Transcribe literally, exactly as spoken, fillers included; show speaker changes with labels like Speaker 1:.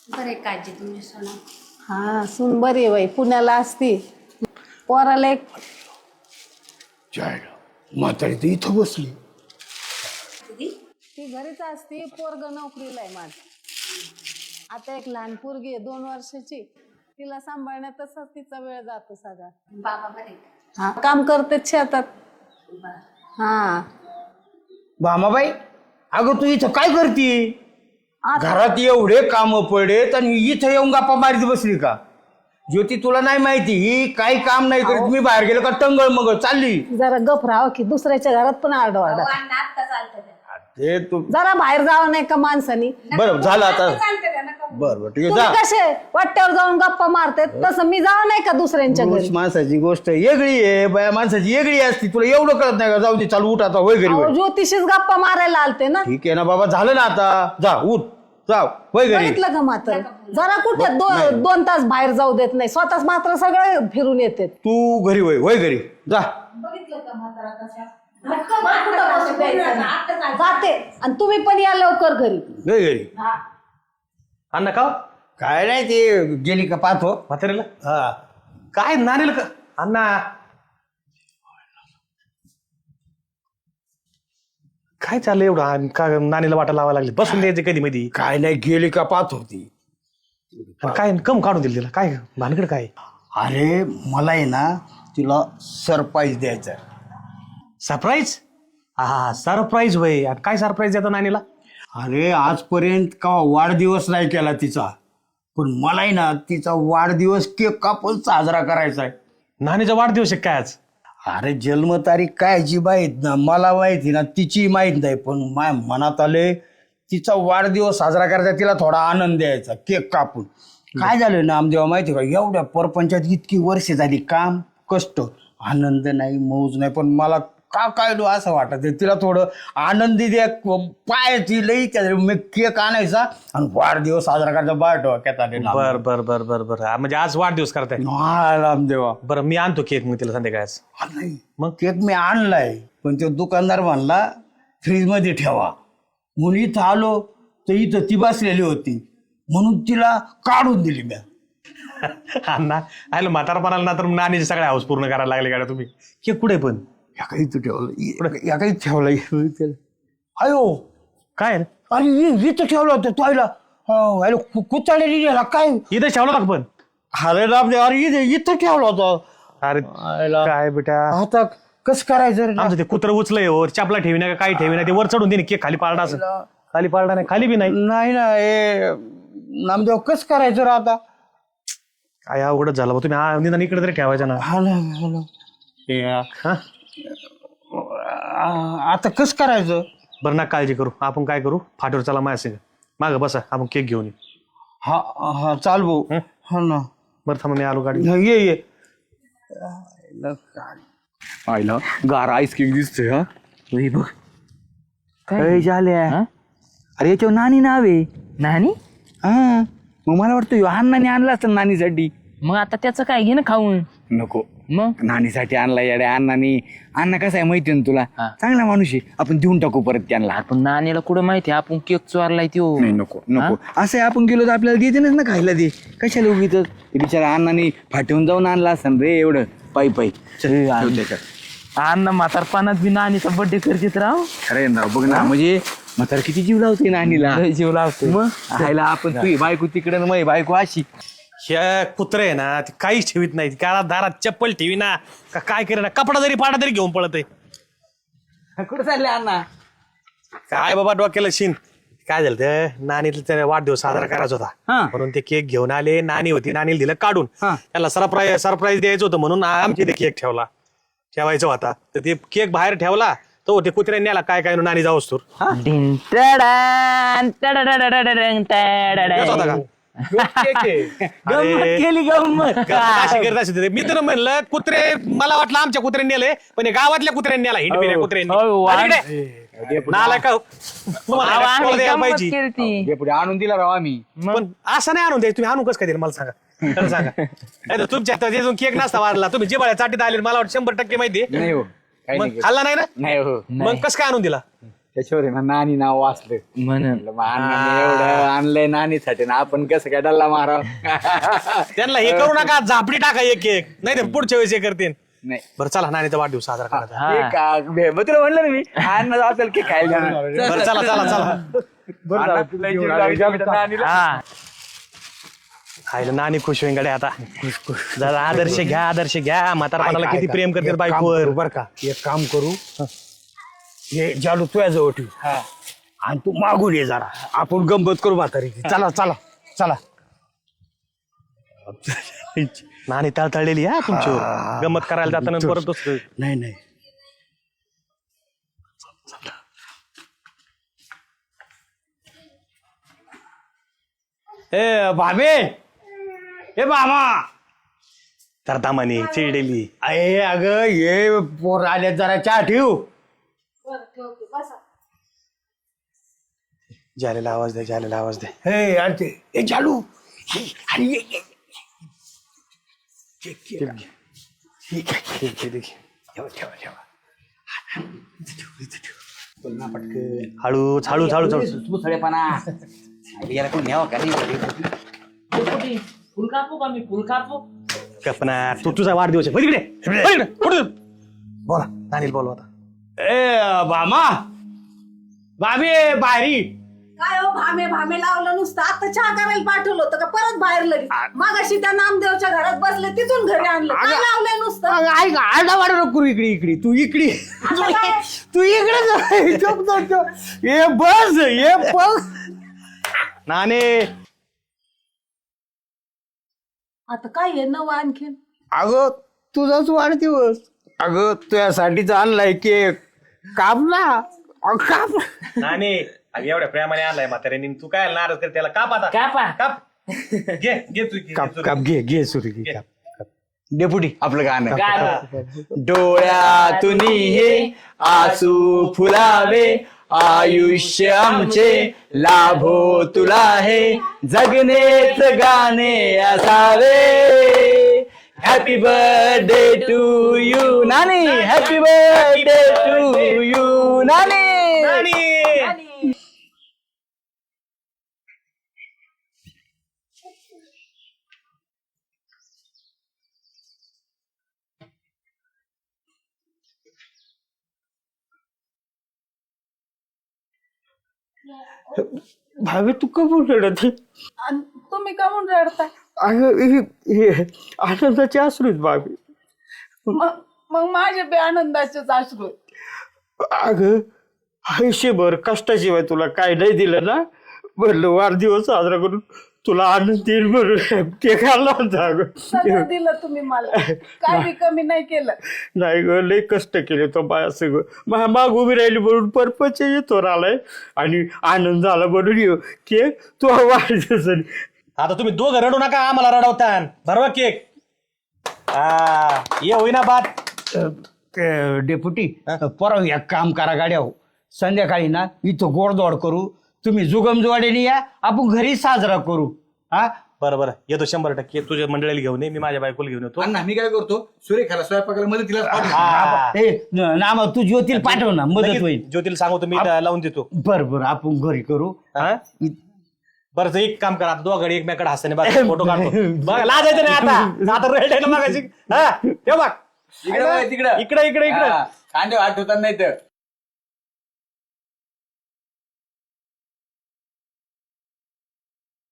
Speaker 1: बरे काळजी तुमची सोना.
Speaker 2: हा सून बरी आहे बाई, पुण्याला असती. पोराला एक
Speaker 3: जायला म्हातारी तर इथं बसली.
Speaker 2: ती घरीच असती, पोरग नोकरीला आहे माझ. आता एक लहान पोरगी आहे दोन वर्षाची, तिला सांभाळण्यातच तिचा वेळ जातो सगळा.
Speaker 1: बाबा बरे.
Speaker 2: हा काम करते शेतात. हा
Speaker 3: भामाबाई, अगं तू इथं काय करती?
Speaker 2: आता-
Speaker 3: घरात एवढे काम पडेत आणि इथं येऊन गप्पा मारीत बसली का? ज्योती तुला नाही माहिती ही काही काम नाही करीत. मी बाहेर गेलो का टंगळ मग चालली.
Speaker 2: जरा गप राहावं की दुसऱ्याच्या घरात पण आरडाओरडा.
Speaker 1: आता चालतं त्या.
Speaker 3: ते तू
Speaker 2: जरा बाहेर जावं नाही का माणसानी?
Speaker 3: बरं झालं आता.
Speaker 1: चालतं त्या नका.
Speaker 3: बर बर ठीक आहे
Speaker 2: तुम्ही
Speaker 3: जा.
Speaker 2: कसे वाट्यावर जाऊन गप्पा मारते तसं मी जावं नाही का दुसऱ्यांच्या
Speaker 3: पुरुष
Speaker 2: घरी?
Speaker 3: माणसाची गोष्ट वेगळी आहे, बाया माणसाची वेगळी असती. तुला एवढं कळत नाही का? जाऊ दे, चालू उठ आता, होय घरी
Speaker 2: अहो,
Speaker 3: होय.
Speaker 2: ज्योतिषीच गप्पा मारायला आलते ना.
Speaker 3: ठीक आहे ना बाबा, झालं ना आता. जा उठ, जाव होय घरी.
Speaker 2: बघितलं का मात्र जरा कुठे दो- दोन तास बाहेर जाऊ देत नाही, स्वतःच मात्र सगळे फिरून येते.
Speaker 3: तू घरी होय, होय घरी जा.
Speaker 1: बघितलं का म्हातारा कशा?
Speaker 2: जाते आणि तुम्ही पण या लवकर घरी.
Speaker 3: होय घरी.
Speaker 4: अण्णा का
Speaker 3: काय नाही, ते गेली का पाहतो.
Speaker 4: म्हातारीला
Speaker 3: हा
Speaker 4: काय नानीला का अण्णा काय चाललंय एवढं आणि का नानीला वाटा लावायला लागली? बसून द्यायचे कधी मध्ये
Speaker 3: काय नाही, गेली का पाहतो ती.
Speaker 4: काय कम काढून दिली तिला? काय भानगड काय?
Speaker 3: अरे मला आहे ना तिला सरप्राईज द्यायचा.
Speaker 4: सरप्राईज? हा सरप्राईज होय. आणि काय सरप्राईज देतो नानीला?
Speaker 3: अरे आजपर्यंत का वाढदिवस नाही केला तिचा, पण मला आहे ना तिचा वाढदिवस केक कापून साजरा करायचा आहे.
Speaker 4: नानीचा वाढदिवस आहे काय आज?
Speaker 3: अरे जन्मतारीख काय जी माहीत ना, मला माहिती ना, तिची माहीत नाही, पण माझ्या मनात आले तिचा वाढदिवस साजरा करायचा, तिला थोडा आनंद द्यायचा केक कापून. काय झालं ना आमदेवा माहिती का, एवढ्या परपंचात इतकी वर्ष झाली, काम कष्ट, आनंद नाही, मौज नाही, पण मला का काय लो असं वाटत तिला थोडं आनंदी द्या. पायाची लई मी केक आणायचा आणि वाढदिवस साजरा करायचा. बाय डोक्यात आले ना.
Speaker 4: बर बर बर बर बर हा, म्हणजे आज वाढदिवस करताय?
Speaker 3: हा रामदेवा.
Speaker 4: बरं मी आणतो केक मग तिला संध्याकाळच.
Speaker 3: हा, नाही मग केक मी आणलाय, पण तो दुकानदार म्हणला फ्रीज मध्ये ठेवा. म्हणून इथं आलो तर इथं ती बसलेली होती, म्हणून तिला काढून दिली मी.
Speaker 4: अण्णा आलो म्हातारपणाला ना तर नानीचे सगळे हाऊस पूर्ण करायला लागले का तुम्ही? केक कुठे पण
Speaker 3: या काही इथं ठेवलं, या काही ठेवलं. अयो
Speaker 4: काय रे?
Speaker 3: अरे इ- इथं ठेवलं होतं तोयला. कुचाळलेली गेला काय?
Speaker 4: इथं ठेवलं का पण?
Speaker 3: अरे रामदेव, अरे इथं इथं ठेवलं होतं.
Speaker 4: अरे
Speaker 3: आयला.
Speaker 4: काय बेटा,
Speaker 3: आता कसं करायचं रे?
Speaker 4: आमचं ते कुत्र उचलंय वर, चपला ठेवी ना काही ठेवी ना, ते वर चढून दे केक खाली पाळला असं. खाली पाळला नाही, खाली बी नाही.
Speaker 3: नाही ना हे नामदेव, कसं करायचं रे आता?
Speaker 4: काय अवघडच झालं बा. तुम्ही हा निदान इकडे तरी ठेवायचं ना.
Speaker 3: हा ना, हा ना. हे,
Speaker 4: हा
Speaker 3: आ- आता कसं करायचं?
Speaker 4: बरं ना, काळजी करू. आपण काय करू, फाटीवर चला माझ्या संग. मागं बसा, आपण केक घेऊन येऊ.
Speaker 3: हा हा चाल भाऊ. हा ना.
Speaker 4: बरं थांबा, मी आलो गाडी.
Speaker 3: हा, ये ये.
Speaker 5: आईला गार आईस केक दिसतोय. हा बघ काय झाल्या. अरे याच्यावर नानी नाव आहे.
Speaker 6: नानी?
Speaker 5: हा मग मला वाटतं ह्यो अण्णाने आणला असतं नानीसाठी.
Speaker 6: मग आता त्याचं काय घे ना खाऊन.
Speaker 5: नको,
Speaker 6: मग
Speaker 5: नानीसाठी आणला येड्या अण्णाने. अण्णा कसा आहे माहिती ना तुला,
Speaker 6: हा.
Speaker 5: चांगला माणूस आहे. आपण देऊन टाकू परत त्यांना.
Speaker 6: आपण नानीला कुठं माहिती आपण केक चोरलाय त्यो.
Speaker 5: नाही नको नको, असं आहे आपण गेलो तर आपल्याला देते ना खायला. ते कशाला उगीच ते बिचारा अण्णाने फाटून जाऊन आणला असं रे एवढं पायी पायी.
Speaker 6: अण्णा म्हातारपणात बी नानीचा बर्थडे करतेत राव.
Speaker 5: खरं ना, बघ ना, म्हणजे म्हातारा किती जीव लावते नानीला.
Speaker 6: लय जीव लावतो.
Speaker 5: मग खायला आपण तुझी बायको तिकडे ना माझी बायको अशी.
Speaker 4: ह्या कुत्रे आहे ना, ते काहीच ठेवीत नाही. काळा दारात चप्पल ठेवी ना, का काय करे ना, कपडा जरी पाडा तरी घेऊन पळत आहे.
Speaker 5: कुठं चालले अण्णा?
Speaker 4: काय बाबा डोक्याला शिन. काय झालं ते, नानीला त्याने वाढदिवस साजरा करायचा होता,
Speaker 5: हा.
Speaker 4: म्हणून ते केक घेऊन आले. नानी होती, नानीला दिलं काढून.
Speaker 5: हा.
Speaker 4: त्याला सरप्राईज सरप्राईज द्यायचं होतं, म्हणून आमची ते केक ठेवला ठेवायचा होता. तर ते केक बाहेर ठेवला, तो ते कुत्र्याने नेला काय काय नानी जाऊस तर.
Speaker 6: डिन टडान, टडाडाडाडाडाडन, टडाडा.
Speaker 4: येत होता का?
Speaker 5: गंमत केली गंमत.
Speaker 4: अशी करत असेल ते. मी तर म्हणलं कुत्रे, मला वाटलं आमच्या कुत्र्याने नेले, पण हे गावातल्या कुत्र्याने नेला. हिंडपिऱ्या
Speaker 6: हो,
Speaker 4: कुत्र्याने.
Speaker 6: वा-
Speaker 4: अरे इकडे. नालायक का? तुम्हाला
Speaker 6: अहो,
Speaker 4: कोणाला
Speaker 6: आम्ही
Speaker 4: द्यायला
Speaker 6: गंमत
Speaker 4: पाहिजे.
Speaker 6: केलती.
Speaker 5: हे पुढे आणून दिला राव आम्ही.
Speaker 4: पण असं नाही आणून द्यायचं. तुम्ही आणून कसं काय दिलं मला सांगा. खरं सांगा. नाही तर तुमच्या त्याच्यातून केक नसता वाढला. तुम्ही जिबाळ्या चाटीत आले, मला वाटतं शंभर टक्के माहिती.
Speaker 5: नाही हो, काही
Speaker 4: मग
Speaker 5: नाही.
Speaker 4: खाल्ला नाही ना,
Speaker 5: नाही हो.
Speaker 4: मग कसं काय आणून दिला?
Speaker 5: त्याच्यावर आहे ना नानी नाव वाचलं
Speaker 6: म्हणून
Speaker 5: म्हणलं, मग अण्णाने एवढं आणलंय नानीसाठी ना आपण कसं काय डल्ला माराव
Speaker 4: त्यांना हे करू नका झापडी टाका एक एक नाही तर पुढच्या वेळेस हे करतील
Speaker 5: नाही
Speaker 4: बरं चला नानीचा वाढदिवस साजरा करायचा
Speaker 6: हा.
Speaker 5: हे का बे- मग तुला म्हणलं ना मी अण्णा असेल की खायला जाणार.
Speaker 4: बरं चला चला चला
Speaker 5: अण्णा तुला जीव लावायचा तर नानीला.
Speaker 6: हा
Speaker 4: खायला नानी खुश होईन गड्या आता जरा आदर्श घ्या आदर्श घ्या म्हातारपणाला किती प्रेम करतात बायकोवर
Speaker 3: बर का एक काम करू हे जालू तुझ्या जवळ ठेव आणि तू मागून ये जरा आपण गंमत करू म्हातारी चला चला चला
Speaker 4: नानी तळतळलेली हा तुमच्यावर गमत करायला जाताना परत दुसरं.
Speaker 3: नाही नाही ए भाबे ए मामा
Speaker 4: तर दामाने चिडलेली
Speaker 3: अरे अगं ये पोर आल्या जरा चहा ठेव
Speaker 1: बरं ठेवते बसा.
Speaker 4: जालेला आवाज द्या जालेला आवाज द्या
Speaker 3: हे अरे ते ए जालू हे, अरे ये, ये. ये, ये, ये.
Speaker 4: ठीक आहे, ठीक आहे.
Speaker 3: ठेवा ठेवा ठेवा इथं ठेव. बोल ना पटकन
Speaker 4: हळूच हळूच हळूच हळूच
Speaker 5: मुसळेपणा याला कोण न्यावं का नाही
Speaker 6: फुल कापू का मी फुल कापू
Speaker 4: कल्पना तू तुझा वाढदिवस आहे वळ इकडे, वळ इकडे, पुढे. बोला नानील बोलवा आता
Speaker 3: ए भामा भाभी बाहेरी
Speaker 1: काय हो भामे भामे लावलं नुसतं आता चहा करायला पाठवलं होतं का परत बाहेर लगेच मागाशी त्या नामदेवच्या घरात बसले तिथून घरी आणलं काय लावलंय नुसतं
Speaker 3: अगं, ऐक आरडा वाडा नको करू इकडे इकडे तू इकडे
Speaker 1: आता काय?
Speaker 3: तू इकडे जा. चुप, चुप, चुप. ये बस ये बस
Speaker 4: नाने
Speaker 1: आता काय आहे नवं आणखीन
Speaker 3: अगं तुझाच वाढदिवस अगं तुझ्यासाठीच आणलाय केक काप ना अगं, काप
Speaker 4: नाने अगं एवढ्या प्रेमाने आणलाय म्हाताऱ्याने तू काय नाराज कर त्याला काप आता
Speaker 6: कापा
Speaker 4: काप घे घे तू घे,
Speaker 3: काप
Speaker 4: घे,
Speaker 3: काप घे घे सुरी घे काप काप. डेपुटी
Speaker 5: आपलं गाणं
Speaker 6: गाणं
Speaker 5: डोळ्यातून हे आसू फुलावे आयुष्य आमचे लाभो तुला हे जगनेच गाणे असावे हॅपी बर्थडे टू यू नानी हॅपी बर्थडे टू यू नानी
Speaker 4: नानी.
Speaker 3: भावे तू कमून रडत
Speaker 1: आणि तुम्ही का म्हणून रडताय
Speaker 3: अगं हे- हे आनंदाचे अश्रूच भावे
Speaker 1: मग मग माझे बे आनंदाचेच अश्रू आहेत.
Speaker 3: अगं आयुष्यभर कष्टाशिवाय तुला काय नाही दिलं ना म्हणलं वाढदिवस साजरा करून तुला आनंद येईल म्हणून ते खाल्ला होता अगं
Speaker 1: सगळं दिलं तुम्ही मला काय बी कमी नाही केलं
Speaker 3: नाही ग लय कष्ट केले तो बाया सगळं मा माग उभी राहिली म्हणून परपच येतो आलाय आणि आनंद झाला म्हणून येऊ केक तो वाढदिवस
Speaker 4: आता तुम्ही दोघं रडू नका आम्हाला रडवतान भरवा केक हा ये होईना बात
Speaker 3: डेप्युटी परवा एक काम करा गाड्या हो संध्याकाळी ना इथं गोडदोड करू तुम्ही जुगमजुवाडीने या आपण घरी साजरा करू हा
Speaker 4: बरं बरं येतो शंभर टक्के तुझ्या मंडळीला घेऊन ये मी माझ्या बायकोला घेऊन येतो
Speaker 5: अण्णा मी काय करतो सुरेखाला स्वयंपाकाला मदतीला
Speaker 4: हा.
Speaker 3: ए नाम तू ज्योतील पाठव ना मदत
Speaker 4: लगेच
Speaker 3: होईल
Speaker 4: ज्योतीला सांगतो मी लावून देतो
Speaker 3: बर बर आपण घरी करू
Speaker 4: हा? बरं तर एक काम करा आता दोघांनी एकमेकडे हसताना बघा फोटो काढतो बघा लाजायचं नाही आता आता रेड मागायची हा ठेव बघ
Speaker 5: तिकडे
Speaker 4: इकडे इकडे इकडे
Speaker 5: कांदे वाट होतात नाही तर